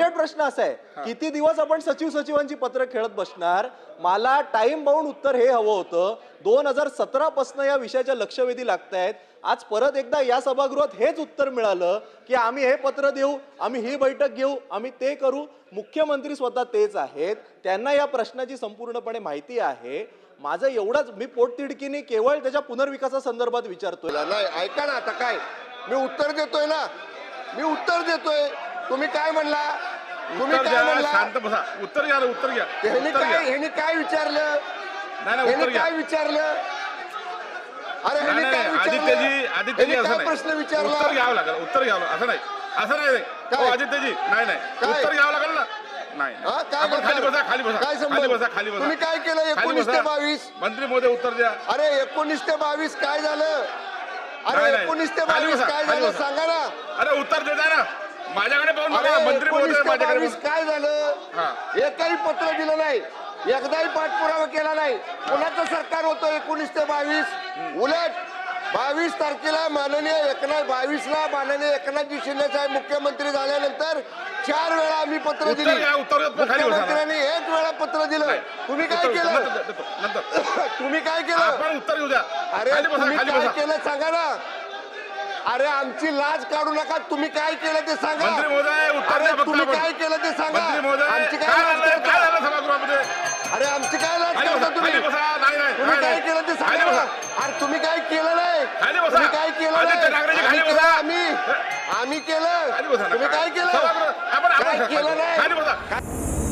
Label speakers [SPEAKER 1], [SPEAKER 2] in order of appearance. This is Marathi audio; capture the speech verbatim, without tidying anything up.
[SPEAKER 1] शेवट प्रश्न असा आहे, किती दिवस आपण सचिव सचिवांची पत्र खेळत बसणार? मला टाइम बाउंड उत्तर हे हवं होतं. दोन हजार सतरा पासून या विषयाच्या लक्षवेधी लागतायत. आज परत एकदा या सभागृहात हेच उत्तर मिळालं की आम्ही हे पत्र देऊ, आम्ही ही बैठक घेऊ, आम्ही ते करू. मुख्यमंत्री स्वतः तेच आहेत, त्यांना या प्रश्नाची संपूर्णपणे माहिती आहे. माझं एवढंच, मी पोटतिडकीने केवळ त्याच्या पुनर्विकासासंदर्भात विचारतोय.
[SPEAKER 2] नाही, ऐका ना, आता काय मी उत्तर देतोय ना, मी उत्तर देतोय. तुम्ही काय म्हणला? तुम्ही काय म्हणला?
[SPEAKER 3] शांत बसा, उत्तर घ्या, उत्तर घ्या.
[SPEAKER 2] ह्यानी काय ह्यानी काय विचारलं? ह्यानी काय विचारलं? अरे ह्यानी काय
[SPEAKER 3] आदित्यजी, आदित्यजी असं नाही,
[SPEAKER 2] प्रश्न विचारला?
[SPEAKER 3] उत्तर घ्यावं लागेल, उत्तर घ्यावं, असं नाही, असं नाही आदित्यजी, नाही नाही, उत्तर घ्यावं लागेल ना. नाही, आपण खाली बसा, खाली बसा, खाली बसा, खाली बसा.
[SPEAKER 2] तुम्ही काय केलं एकोणीस ते बावीस?
[SPEAKER 3] मंत्री महोदय उत्तर द्या.
[SPEAKER 2] अरे एकोणीस ते बावीस काय झालं? अरे एकोणीस ते बावीस काय झालं सांगा ना.
[SPEAKER 3] अरे उत्तर देता ना, माझ्याकडे पाहून बघा. मंत्री महोदय माझ्याकडे
[SPEAKER 2] काय झालं? एकही पत्र दिलं नाही, एकदाही पाठपुरावा केला नाही. कोणाचं सरकार होतं एकोणीस ते बावीस? उलट बावीस तारखेला माननीय एकनाथ बावीसला माननीय एकनाथजी शिंदे साहेब मुख्यमंत्री झाल्यानंतर चार वेळा आम्ही पत्र दिली. मुख्यमंत्र्यांनी एक वेळा पत्र दिलं. तुम्ही काय केलं? तुम्ही काय केलं?
[SPEAKER 3] उत्तर घेऊ द्या.
[SPEAKER 2] अरे तुम्ही काय केलं सांगा ना. अरे आमची लाज काढू नका. तुम्ही काय केलं ते सांगा.
[SPEAKER 3] मंत्री महोदय उत्तर द्या.
[SPEAKER 2] तुम्ही काय केलं ते सांगा. आमची काय लाज
[SPEAKER 3] सभागृहामध्ये?
[SPEAKER 2] अरे आमची काय लाज करता तुम्ही? तुम्ही काय केलं ते सांगा. अरे तुम्ही काय केलं नाही. तुम्ही काय केलं नाही. आम्ही आम्ही केलं. तुम्ही काय केलं? काय केलं नाही.